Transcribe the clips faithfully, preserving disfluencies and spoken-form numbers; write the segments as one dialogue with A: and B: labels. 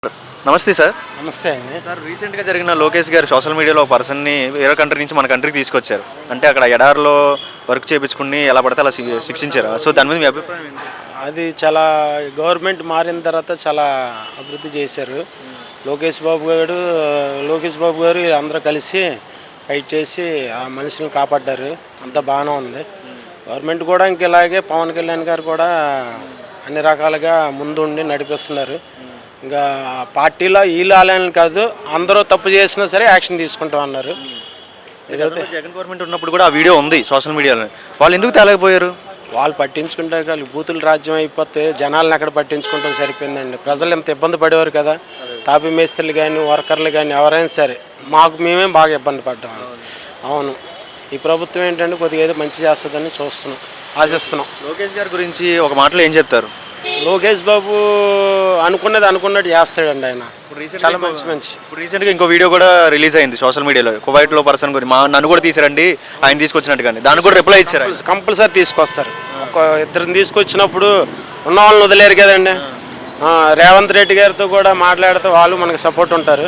A: నమస్తే సార్.
B: నమస్తే అండి.
A: సార్, రీసెంట్గా జరిగిన లోకేష్ గారు సోషల్ మీడియాలో ఒక పర్సన్ని వేరే కంట్రీ నుంచి మన కంట్రీకి తీసుకొచ్చారు. అంటే అక్కడ ఎడారిలో వర్క్ చేయించుకుని ఎలా పడితే అలా శి- శిక్షించారు. సో దాని మీద మీ అభిప్రాయం ఏంటి?
B: అది చాలా గవర్నమెంట్ మారిన తర్వాత చాలా అభివృద్ధి చేశారు. లోకేష్ బాబు గారు లోకేష్ బాబు గారు అందరూ కలిసి ఫైట్ చేసి ఆ మనుషులను కాపాడ్డారు. అంతా బాగానే ఉంది. గవర్నమెంట్ కూడా ఇంక ఇలాగే పవన్ కళ్యాణ్ గారు కూడా అన్ని రకాలుగా ముందుండి నడిపిస్తున్నారు. ఇంకా పార్టీలో వీళ్ళు ఆలయాలు కాదు, అందరూ తప్పు చేసినా సరే యాక్షన్ తీసుకుంటాం అన్నారు.
A: ఏదైతే జగన్ గవర్నమెంట్ ఉన్నప్పుడు కూడా ఆ వీడియో ఉంది సోషల్ మీడియాలో. వాళ్ళు ఎందుకు తేలేకపోయారు?
B: వాళ్ళు పట్టించుకుంటే కానీ బూతుల రాజ్యం అయిపోతే జనాలను ఎక్కడ పట్టించుకుంటాం సరిపోయిందండి. ప్రజలు ఎంత ఇబ్బంది పడేవారు కదా. తాపీ మేస్త్రులు కానీ వర్కర్లు కానీ ఎవరైనా సరే మాకు మేమే బాగా ఇబ్బంది పడ్డాం. అవును, ఈ ప్రభుత్వం ఏంటంటే కొద్దిగా ఏదో మంచి చేస్తుందని చూస్తున్నాం, ఆశిస్తున్నాం.
A: లోకేష్ గారి గురించి ఒక మాటలో ఏం చెప్తారు?
B: లోకేష్ బాబు అనుకున్నది అనుకున్నట్టు చేస్తాడండి. ఆయన చాలా మంచి మంచి
A: ఇప్పుడు రీసెంట్గా ఇంకో వీడియో కూడా రిలీజ్ అయింది సోషల్ మీడియాలో. కువైట్లో పర్సన్ గురించి మా నన్ను కూడా తీసారండి ఆయన తీసుకొచ్చినట్టు, కానీ దానికి కూడా రిప్లై ఇచ్చారు.
B: కంపల్సరీ తీసుకొస్తారు. ఒక ఇద్దరిని తీసుకొచ్చినప్పుడు ఉన్న వాళ్ళని వదిలేరు కదండి. రేవంత్ రెడ్డి గారితో కూడా మాట్లాడితే వాళ్ళు మనకు సపోర్ట్ ఉంటారు.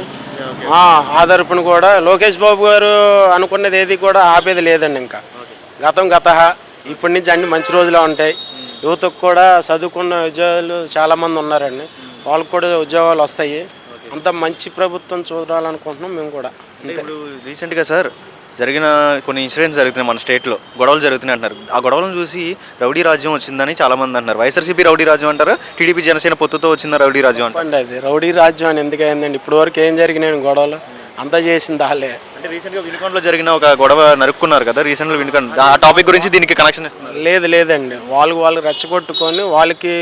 B: ఆధారపడిన కూడా లోకేష్ బాబు గారు అనుకున్నది ఏది కూడా ఆపేది లేదండి. ఇంకా గతం గత ఇప్పటి నుంచి అన్ని మంచి రోజులు ఉంటాయి. యువతకు కూడా చదువుకున్న ఉద్యోగాలు చాలామంది ఉన్నారండి, వాళ్ళకు కూడా ఉద్యోగాలు వస్తాయి. అంత మంచి ప్రభుత్వం చూడాలనుకుంటున్నాం మేము కూడా.
A: ఇప్పుడు రీసెంట్గా సార్ జరిగిన కొన్ని ఇన్సిడెంట్స్ జరుగుతున్నాయి మన స్టేట్లో, గొడవలు జరుగుతున్నాయి అంటున్నారు. ఆ గొడవలను చూసి రౌడీ రాజ్యం వచ్చిందని చాలామంది అంటున్నారు. వైఎస్ఆర్సీపీ రౌడీ రాజ్యం అంటారు, టీడీపీ జనసేన పొత్తుతో వచ్చిందా రౌడీ రాజ్యం అంటారు.
B: అది రౌడీ రాజ్యం అని ఎందుకు అయిందండి? ఇప్పుడు వరకు ఏం జరిగినాయి గొడవలు? అంతా చేసింది వాళ్ళే.
A: అంటే రీసెంట్గా వినుకొండలో జరిగిన ఒక గొడవ నరుక్కున్నారు కదా రీసెంట్గా వినుకొండ, ఆ టాపిక్ గురించి దీనికి కనెక్షన్ ఇస్తున్నారు.
B: లేదు లేదండి, వాళ్ళు వాళ్ళు రెచ్చగొట్టుకొని వాళ్ళకి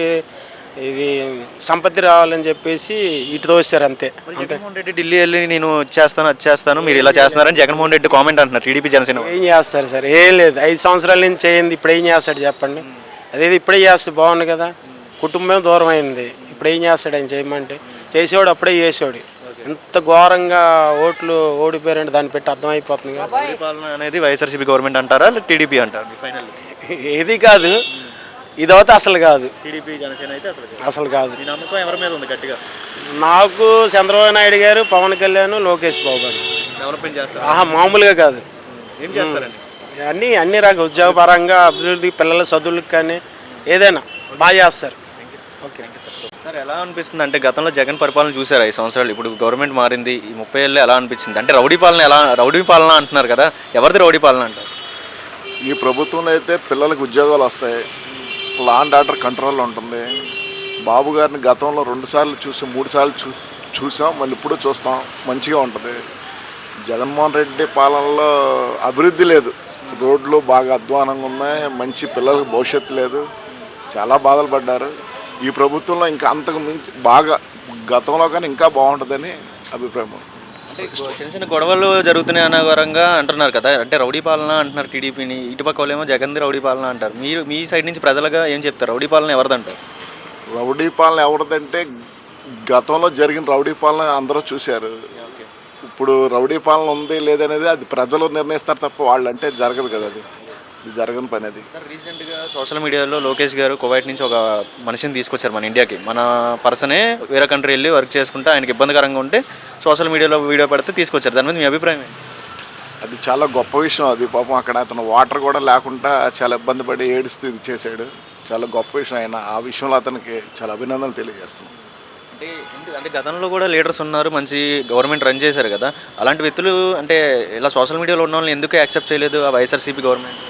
B: ఇది సంపత్తి రావాలని చెప్పేసి ఇటు తోసారు అంతే.
A: జగన్మోహన్ రెడ్డి ఢిల్లీ వెళ్ళి నేను చేస్తాను అది చేస్తాను మీరు ఇలా చేస్తున్నారని జగన్మోహన్ రెడ్డి కామెంట్ అంటున్నారు టీడీపీ జనసేన.
B: ఏం చేస్తారు సార్? ఏం లేదు, ఐదు సంవత్సరాల నుంచి చేయింది, ఇప్పుడు ఏం చేస్తాడు చెప్పండి? అదేది ఇప్పుడే చేస్తే బాగుంది కదా. కుటుంబం దూరం అయింది, ఇప్పుడు ఏం చేస్తాడు ఆయన చేయమంటే? చేసేవాడు అప్పుడే చేసేవాడు. ఎంత ఘోరంగా ఓట్లు ఓడిపోయారంటే దాన్ని పెట్టి అర్థమైపోతుంది కదా.
A: పరిపాలన అనేది వైఎస్ఆర్సీపీ గవర్నమెంట్ అంటారా టీడీపీ అంటారు? ఫైనల్
B: ఏది కాదు, ఇదైతే అసలు కాదు.
A: టీడీపీ జనసేన అయితే అసలు
B: అసలు కాదు.
A: ఈ నమ్మకం ఎవరి మీద ఉంది గట్టిగా?
B: నాకు చంద్రబాబు నాయుడు గారు, పవన్ కళ్యాణ్, లోకేష్ బాబు గారు
A: డెవలప్మెంట్ చేస్తారు.
B: ఆహా, మామూలుగా కాదు.
A: ఏం చేస్తారండి?
B: అన్నీ అన్ని రకాల ఉద్యోగపరంగా అభివృద్ధి, పిల్లల చదువులకు కానీ ఏదైనా బాగా చేస్తారు.
A: Okay sir. సార్, ఎలా అనిపిస్తుంది అంటే గతంలో జగన్ పరిపాలన చూసారు ఐదు సంవత్సరాలు, ఇప్పుడు గవర్నమెంట్ మారింది ఈ ముప్పై ఏళ్ళు ఎలా అనిపించింది? అంటే రౌడీ పాలన ఎలా రౌడీ పాలన అంటున్నారు కదా, ఎవరిది రౌడీ పాలన అంటారు?
C: ఈ ప్రభుత్వంలో అయితే పిల్లలకు ఉద్యోగాలు వస్తాయి, లా అండ్ ఆర్డర్ కంట్రోల్లో ఉంటుంది. బాబు గారిని గతంలో రెండుసార్లు చూసి మూడు సార్లు చూ చూసాం మళ్ళీ ఇప్పుడు చూస్తాం, మంచిగా ఉంటుంది. జగన్మోహన్ రెడ్డి పాలనలో అభివృద్ధి లేదు, రోడ్లు బాగా అధ్వానంగా ఉన్నాయి, మంచి పిల్లలకు భవిష్యత్తు లేదు, చాలా బాధలు పడ్డారు. ఈ ప్రభుత్వంలో ఇంకా అంతకు మించి బాగా గతంలో కానీ ఇంకా బాగుంటుందని అభిప్రాయం.
A: చిన్న చిన్న గొడవలు జరుగుతున్నాయి అనవరంగా అంటున్నారు కదా, అంటే రౌడీ పాలన అంటున్నారు టీడీపీని, ఇటుపక్క వాళ్ళేమో జగన్ది రౌడీ పాలన అంటారు. మీరు మీ సైడ్ నుంచి ప్రజలుగా ఏం చెప్తారు? రౌడీ పాలన ఎవరిదంటారు?
C: రౌడీ పాలన ఎవరిదంటే గతంలో జరిగిన రౌడీ పాలన అందరూ చూశారు. ఇప్పుడు రౌడీ పాలన ఉంది లేదనేది అది ప్రజలు నిర్ణయిస్తారు తప్ప వాళ్ళు అంటే జరగదు కదా, అది ఇది జరగని పని. అది
A: సార్, రీసెంట్గా సోషల్ మీడియాలో లోకేష్ గారు కువైట్ నుంచి ఒక మనిషిని తీసుకొచ్చారు మన ఇండియాకి. మన పర్సనే వేరే కంట్రీ వెళ్ళి వర్క్ చేసుకుంటే ఆయనకి ఇబ్బందికరంగా ఉంటే సోషల్ మీడియాలో వీడియో పెడితే తీసుకొచ్చారు. దాని మీద మీ అభిప్రాయం ఏంటి?
C: అది చాలా గొప్ప విషయం. అది పాపం అక్కడ అతను వాటర్ కూడా లేకుండా చాలా ఇబ్బంది పడి ఏడుస్తూ ఇది చేశాడు. చాలా గొప్ప విషయం. ఆయన ఆ విషయంలో అతనికి చాలా అభినందనలు తెలియజేస్తున్నాం.
A: అంటే అంటే గతంలో కూడా లీడర్స్ ఉన్నారు, మంచి గవర్నమెంట్ రన్ చేశారు కదా, అలాంటి వ్యక్తులు అంటే ఇలా సోషల్ మీడియాలో ఉన్న వాళ్ళని ఎందుకు యాక్సెప్ట్ చేయలేదు ఆ వైఎస్ఆర్సీపీ గవర్నమెంట్?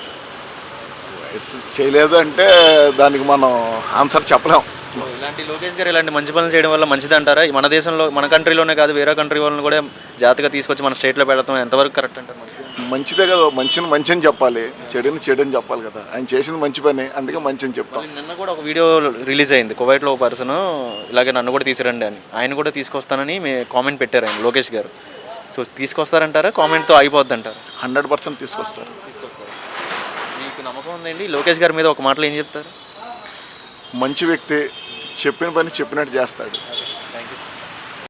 C: చేయలేదు అంటే దానికి మనం ఆన్సర్ చెప్పలేం.
A: ఇలాంటి లోకేష్ గారు ఇలాంటి మంచి పనులు చేయడం వల్ల మంచిది అంటారా? మన దేశంలో మన కంట్రీలోనే కాదు వేరే కంట్రీ వాళ్ళని కూడా జాతిగా తీసుకొచ్చి మన స్టేట్లో పెడతాం ఎంతవరకు కరెక్ట్ అంటారు?
C: మంచిదే కదా, మంచిని మంచి అని చెప్పాలి, చెడుని చెడు అని చెప్పాలి కదా. ఆయన చేసింది మంచి పని, అందుకే మంచి అని చెప్తాం.
A: నిన్న కూడా ఒక వీడియో రిలీజ్ అయింది, కువైట్లో ఒక పర్సన్ ఇలాగే నన్ను కూడా తీసిరండి అని, ఆయన కూడా తీసుకొస్తానని మీ కామెంట్ పెట్టారు ఆయన లోకేష్ గారు. సో తీసుకొస్తారంటారా? కామెంట్తో అయిపోద్ది అంటారు?
C: హండ్రెడ్ పర్సెంట్ తీసుకొస్తారు.
A: తీసుకొస్తారు. మీకు నమ్మకం ఉందండి లోకేష్ గారి మీద? ఒక మాటలో ఏం చెప్తారు?
C: మంచి వ్యక్తి, చెప్పిన పని చెప్పినట్టు చేస్తాడు.